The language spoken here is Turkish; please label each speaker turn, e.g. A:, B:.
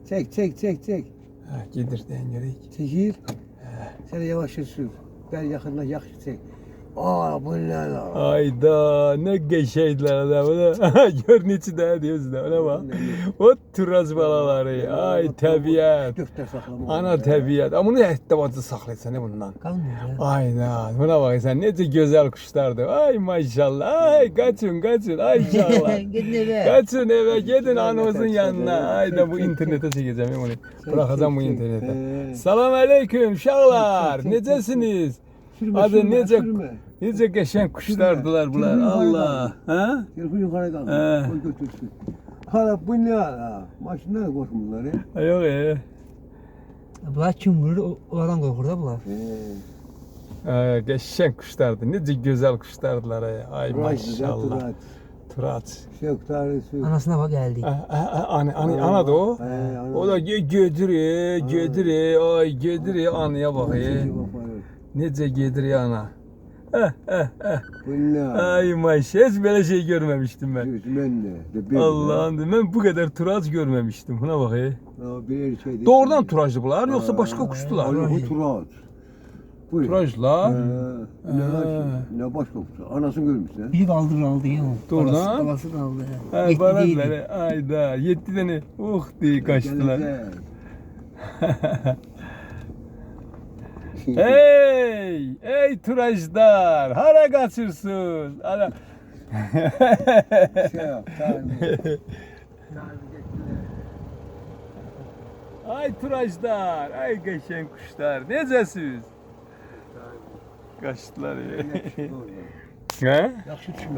A: Çek.
B: Ha, gedir den gerek.
A: Çekil. Sen de yavaş sür. Ben yakından yakış çek. Aa bu ne lan?
B: Ayda ne geçeydiler adamı. Gör niçin de diyorsun da ona bak. O turaz balaları. Ay tabiat.
A: Gökte saklama.
B: Ana tabiat. Ama bunu ehtibatı saklaysan ne bundan?
A: Kalmıyor ya.
B: Ayda. Buna bak sen nece güzel kuşlardı. Ay maşallah. Ay kaçın. Ay inşallah.
A: Gidin eve.
B: Kaçın eve gidin anamızın yanına. Ayda bu internete çekeceğim bunu. Bırakacağım bu internete. Selam aleyküm şahlar. Necesiniz? Hadi nece geçen kuşlardılar bunlar. Allah. Ha?
A: Telefon yukarı kaldı.
B: He.
A: Koy götürsün. Hala bu ne hala? Maşından da korkun bunları.
B: Yok
C: Bunlar kim vurur? Oradan korkur da bunlar.
B: geçen kuşlardı. Nece güzel kuşlardılar. Ay maşallah. Turat.
A: Yok tarihi yok.
C: Anasına bak geldi.
B: Ana da o.
A: Ana.
B: O da gödürüyor. Ay gödürüyor anaya bak. Nece gödürüyor ana.
A: Bu ne?
B: Ay maşallah hiç böyle şey görmemiştim ben.
A: Ben de.
B: Allah'ım ben bu kadar turaj görmemiştim. Buna bak.
A: Bir şey değil.
B: Doğrudan turajlı bunlar yoksa başka kuştular.
A: Bu turaj. Bu
B: Turajla.
A: Ne başka kuş. Anasını görmüşsün.
C: Biri aldı ya.
B: Doğrudan.
C: Babası kaldı.
B: Ay baraları ayda 7 tane diye kaçtılar. Ey turajlar hara kaçırsın. Ana. Ay turajlar, ay geçen kuşlar, necesiz? Kaçtılar ya.
A: Yakşı
B: He?
A: düşme.